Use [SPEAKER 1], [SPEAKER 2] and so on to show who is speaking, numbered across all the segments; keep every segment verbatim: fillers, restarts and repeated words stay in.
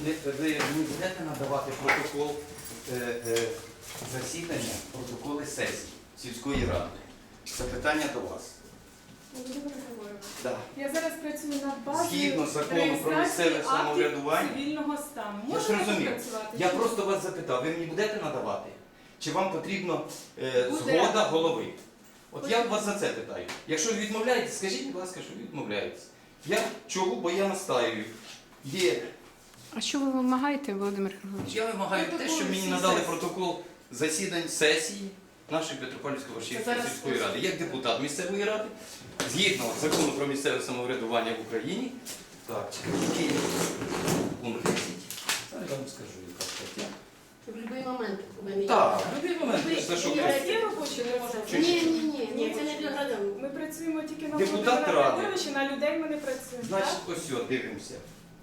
[SPEAKER 1] не- ви мені будете надавати протокол е, е, засідання, протоколи сесії сільської ради? Запитання до вас.
[SPEAKER 2] Володимир Григорович,
[SPEAKER 1] Да.
[SPEAKER 2] я зараз працюю над базою
[SPEAKER 1] Згідно закону про
[SPEAKER 2] реєстрації
[SPEAKER 1] місцеве самоврядування.
[SPEAKER 2] актів цивільного стану.
[SPEAKER 1] Я ж
[SPEAKER 2] Можемо
[SPEAKER 1] розумію.
[SPEAKER 2] попрацювати?
[SPEAKER 1] Я
[SPEAKER 2] чи ні?
[SPEAKER 1] просто вас запитав, ви мені будете надавати? Чи вам потрібно е,
[SPEAKER 2] Буде.
[SPEAKER 1] згода голови? От я вас за це питаю. Якщо ви відмовляєтесь, скажіть, будь ласка, що ви відмовляєтесь. Я чого, бо я настаюю. Є.
[SPEAKER 3] А що ви вимагаєте, Володимир Григорович?
[SPEAKER 1] Я вимагаю те,
[SPEAKER 2] Протокол
[SPEAKER 1] щоб мені
[SPEAKER 2] всіх
[SPEAKER 1] надали
[SPEAKER 2] сесій.
[SPEAKER 1] протокол засідань сесії нашої Петропавлівської Варшівської
[SPEAKER 2] Зараз
[SPEAKER 1] сільської
[SPEAKER 2] ось.
[SPEAKER 1] ради, як депутат місцевої ради, згідно закону про місцеве самоврядування в Україні. Так, який пункт десять. Зараз я вам скажу, яка стаття.
[SPEAKER 4] В будь-який момент повинні.
[SPEAKER 1] Так, в будь-який момент
[SPEAKER 4] Ви-
[SPEAKER 1] за що
[SPEAKER 4] ви-
[SPEAKER 1] кажете?
[SPEAKER 2] Є робочі
[SPEAKER 1] Чи-
[SPEAKER 4] Ні, ні, ні, ні, це не для громадян.
[SPEAKER 2] Ми працюємо тільки на
[SPEAKER 1] Депутат
[SPEAKER 2] Володимира
[SPEAKER 1] Ради.
[SPEAKER 2] Григоровича, на людей ми не працюємо.
[SPEAKER 1] Значить, ось сюди, дивимося.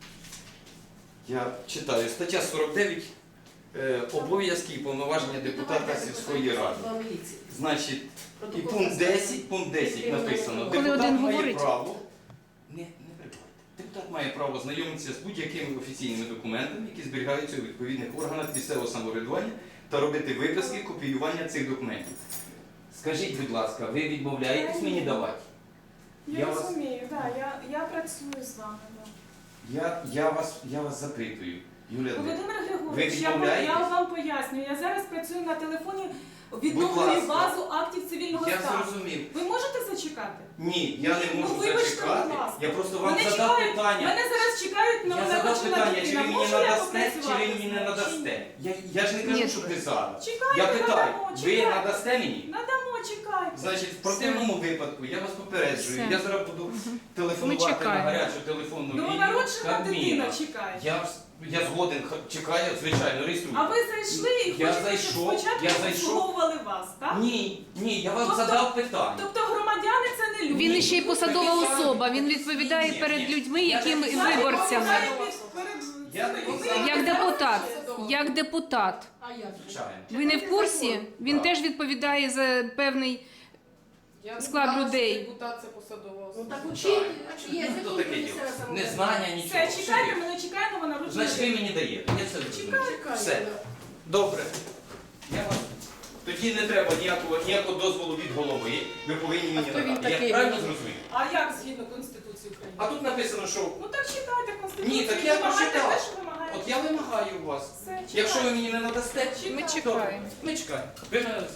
[SPEAKER 1] Я читаю. Стаття сорок дев'ять. Е, обов'язки і повноваження депутата сільської ради. Значить, і пункт десять, пункт десять написано.
[SPEAKER 3] Коли
[SPEAKER 1] Депутат
[SPEAKER 3] один
[SPEAKER 1] має
[SPEAKER 3] говорить.
[SPEAKER 1] право. Не, не перебувайте. Депутат має право знайомитися з будь-якими офіційними документами, які зберігаються у відповідних органах місцевого самоврядування, та робити виписки, копіювання цих документів. Скажіть, будь ласка, ви відмовляєтесь мені давати?
[SPEAKER 2] Я,
[SPEAKER 1] Я вас-
[SPEAKER 2] розумію, да, я, я працюю з вами. Да.
[SPEAKER 1] Я, я, вас, я вас запитую, Юлія Дмитрівна.
[SPEAKER 2] Володимир Григорович,
[SPEAKER 1] Ви
[SPEAKER 2] я, вам-
[SPEAKER 1] відмовляєтесь?
[SPEAKER 2] я вам пояснюю, я зараз працюю на телефоні,
[SPEAKER 1] Будь
[SPEAKER 2] відновлюю
[SPEAKER 1] ласка.
[SPEAKER 2] базу актів цивільного
[SPEAKER 1] Я
[SPEAKER 2] стану.
[SPEAKER 1] зрозумів.
[SPEAKER 2] Ви можете зачекати?
[SPEAKER 1] Ні, я не
[SPEAKER 2] Ну,
[SPEAKER 1] можу
[SPEAKER 2] вибачте,
[SPEAKER 1] зачекати.
[SPEAKER 2] будь ласка.
[SPEAKER 1] Я просто вам
[SPEAKER 2] Мене
[SPEAKER 1] задав
[SPEAKER 2] чекають-
[SPEAKER 1] питання.
[SPEAKER 2] Мене зараз чекають на
[SPEAKER 1] Я задав
[SPEAKER 2] народжена
[SPEAKER 1] питання, чи
[SPEAKER 2] дитина.
[SPEAKER 1] ви мені
[SPEAKER 2] Можу я
[SPEAKER 1] надасте, чи
[SPEAKER 2] попрацювати
[SPEAKER 1] ви мені
[SPEAKER 2] з
[SPEAKER 1] не
[SPEAKER 2] нею, чи
[SPEAKER 1] надасте.
[SPEAKER 2] ні?
[SPEAKER 1] Я, я ж не кажу,
[SPEAKER 3] Ні.
[SPEAKER 1] що ви зараз.
[SPEAKER 2] Чекайте,
[SPEAKER 1] Я питаю,
[SPEAKER 2] надамо,
[SPEAKER 1] ви
[SPEAKER 2] чекайте.
[SPEAKER 1] надасте мені?
[SPEAKER 2] Надамо, чекайте.
[SPEAKER 1] Значить, в противному випадку я вас попереджую.
[SPEAKER 3] Все.
[SPEAKER 1] Я зараз буду
[SPEAKER 3] Ми
[SPEAKER 1] телефонувати на
[SPEAKER 3] чекаємо.
[SPEAKER 1] гарячу телефонну лінію.
[SPEAKER 2] Новонароджена
[SPEAKER 1] Кабміна.
[SPEAKER 2] дитина чекає.
[SPEAKER 1] Я, ж- я згоден, х- чекаю, звичайно, реєструю.
[SPEAKER 2] А ви зайшли і
[SPEAKER 1] Я
[SPEAKER 2] хочете,
[SPEAKER 1] зайшов,
[SPEAKER 2] щоб спочатку
[SPEAKER 1] я зайшов.
[SPEAKER 2] обслуговували вас, так?
[SPEAKER 1] Ні, ні, я вам
[SPEAKER 2] Тобто-
[SPEAKER 1] задав питання.
[SPEAKER 2] Тобто громадяни це не люди.
[SPEAKER 3] Він іще й посадова особа, він відповідає
[SPEAKER 1] Ні, ні,
[SPEAKER 3] перед
[SPEAKER 1] ні.
[SPEAKER 3] людьми,
[SPEAKER 1] Я
[SPEAKER 3] яким
[SPEAKER 1] не
[SPEAKER 2] Зараз
[SPEAKER 3] виборцями.
[SPEAKER 2] відповідає перед
[SPEAKER 1] Я
[SPEAKER 2] цими
[SPEAKER 1] не
[SPEAKER 2] людьми,
[SPEAKER 1] знаю.
[SPEAKER 3] Як
[SPEAKER 2] які
[SPEAKER 3] депутат,
[SPEAKER 2] зараз-
[SPEAKER 3] як депутат.
[SPEAKER 4] А як?
[SPEAKER 1] Звичайно.
[SPEAKER 3] Ви не в курсі? Він
[SPEAKER 1] Так.
[SPEAKER 3] теж відповідає за певний
[SPEAKER 5] Я
[SPEAKER 3] склад
[SPEAKER 5] не знала,
[SPEAKER 3] людей.
[SPEAKER 5] що депутат це посадова
[SPEAKER 4] Ну
[SPEAKER 5] особа.
[SPEAKER 4] так учить, є
[SPEAKER 1] Ну, то
[SPEAKER 4] закон
[SPEAKER 1] таке
[SPEAKER 4] про
[SPEAKER 1] діло.
[SPEAKER 4] місцеве самоврядування.
[SPEAKER 1] Незнання, нічого.
[SPEAKER 2] Все, чекайте,
[SPEAKER 1] Все.
[SPEAKER 2] мене чекає новонароджена
[SPEAKER 1] Значить, ви
[SPEAKER 2] дитина.
[SPEAKER 1] мені даєте. Я все зрозумів.
[SPEAKER 4] Чекай,
[SPEAKER 1] Все.
[SPEAKER 4] да.
[SPEAKER 1] Добре. Я вас... Тоді не треба ніякого, ніякого дозволу від голови. Ви повинні мені
[SPEAKER 4] хто він
[SPEAKER 1] надати. Я
[SPEAKER 4] такий?
[SPEAKER 1] правильно зрозумів?
[SPEAKER 2] А як згідно Конституції України?
[SPEAKER 1] А тут написано, що
[SPEAKER 2] Ну так читайте Конституцію.
[SPEAKER 1] Ні, так я
[SPEAKER 2] вимагайте
[SPEAKER 1] прочитав.
[SPEAKER 2] те, що вимагаєте.
[SPEAKER 1] от я вимагаю у вас.
[SPEAKER 2] Все, чекайте.
[SPEAKER 1] Якщо ви мені не надасте,
[SPEAKER 3] Ми
[SPEAKER 2] Чекайте.
[SPEAKER 3] чекаємо.
[SPEAKER 1] ми чекаємо. Ви мене